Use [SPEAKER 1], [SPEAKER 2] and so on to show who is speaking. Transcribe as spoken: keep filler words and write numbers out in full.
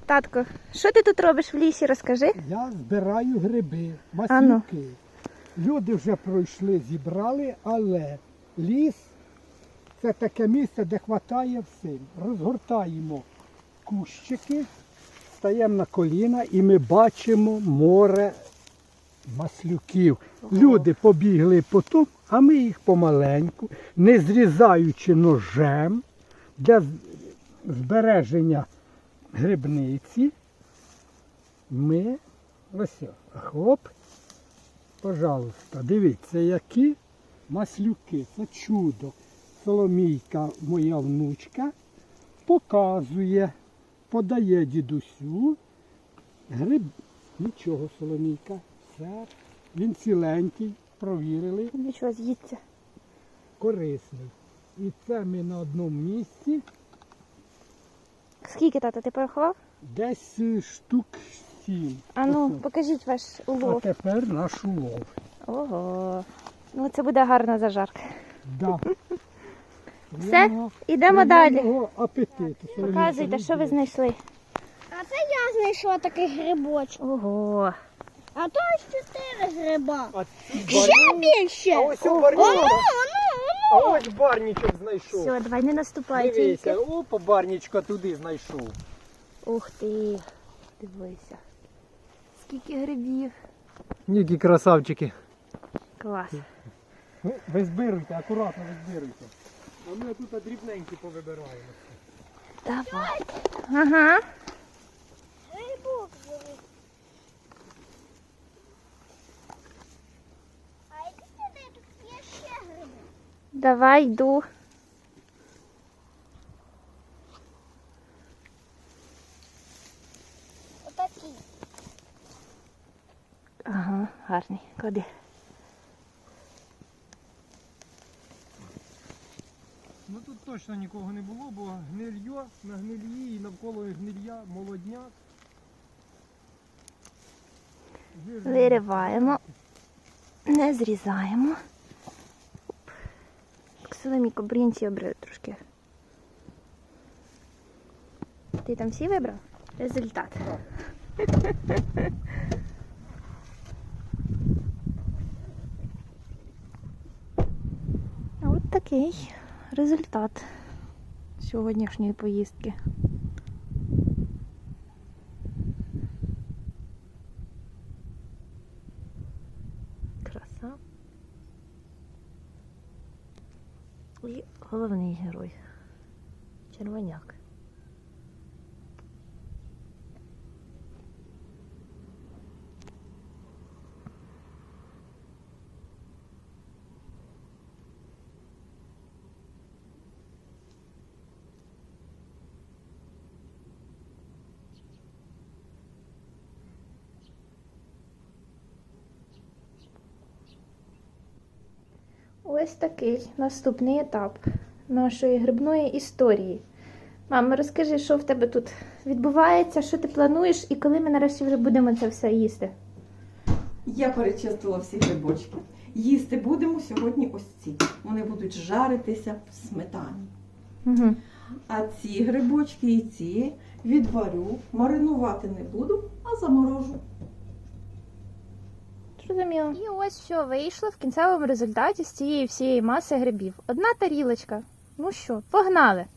[SPEAKER 1] Татко, що ти тут робиш в лісі, розкажи?
[SPEAKER 2] Я збираю гриби,
[SPEAKER 1] А ну.
[SPEAKER 2] маслюки. Люди вже пройшли, зібрали, але ліс – це таке місце, де хватає всім. Розгортаємо кущики, стаємо на коліна і ми бачимо море маслюків. Люди побігли потім, а ми їх помаленьку, не зрізаючи ножем для з- збереження грибниці. Ми, ось, о, хлоп, пожалуйста, дивіться, які маслюки, це чудо. Соломійка, моя внучка, показує, подає дідусю. Гриб, нічого, Соломійка, все, він ціленький, провірили,
[SPEAKER 1] Нічого, з'їдься.
[SPEAKER 2] корисний. І це ми на одному місці,
[SPEAKER 1] Скільки, тато, ти порахував?
[SPEAKER 2] десь е, штук сім.
[SPEAKER 1] А ну,
[SPEAKER 2] Ось.
[SPEAKER 1] покажіть ваш
[SPEAKER 2] А
[SPEAKER 1] улов.
[SPEAKER 2] тепер наш улов.
[SPEAKER 1] Ого. Ну, це буде гарна зажарка.
[SPEAKER 2] Да.
[SPEAKER 1] Все,
[SPEAKER 2] Приємного-
[SPEAKER 1] ідемо далі.
[SPEAKER 2] приємного апетиту.
[SPEAKER 1] Показуйте, що ви знайшли.
[SPEAKER 3] А це я знайшла такий грибочок.
[SPEAKER 1] Ого.
[SPEAKER 3] А то ось чотири гриба.
[SPEAKER 2] А,
[SPEAKER 3] Ще більше.
[SPEAKER 2] а ось у
[SPEAKER 3] Оно,
[SPEAKER 2] барнічок,
[SPEAKER 3] оно,
[SPEAKER 2] а ось барнічок знайшов.
[SPEAKER 1] Все, давай, не наступай
[SPEAKER 2] Дивися,
[SPEAKER 1] тільки.
[SPEAKER 2] опа, барнічка туди знайшов.
[SPEAKER 1] Ух ти. Дивися. Скільки грибів.
[SPEAKER 2] Які красавчики.
[SPEAKER 1] Клас.
[SPEAKER 2] Ви збируйте, акуратно ви збируйте. А ми тут дрібненькі повибираємо.
[SPEAKER 1] Давай. Ага.
[SPEAKER 3] грибок зробив. А які сюди тут є ще гриби?
[SPEAKER 1] Давай, йду.
[SPEAKER 3] Отакі.
[SPEAKER 1] Ага, гарний. Клади.
[SPEAKER 2] Ну тут точно нікого не було, бо гнильо на гнильї і навколо гнилья молодняк.
[SPEAKER 1] Вириваємо. Не зрізаємо. Соломійко, брінці обрив трошки. Ти там всі вибрав? Результат. От такий результат сьогоднішньої поїздки. Краса. І головний герой. Червоняк. Ось такий наступний етап нашої грибної історії. Мама, розкажи, що в тебе тут відбувається, що ти плануєш і коли ми нарешті вже будемо це все їсти?
[SPEAKER 4] Я перечистила всі грибочки. Їсти будемо сьогодні ось ці. Вони будуть жаритися в сметані.
[SPEAKER 1] Угу.
[SPEAKER 4] А ці грибочки і ці відварю, маринувати не буду, а заморожу.
[SPEAKER 1] Зрозуміло. І ось що вийшло в кінцевому результаті з цієї всієї маси грибів. Одна тарілочка. Ну що, погнали!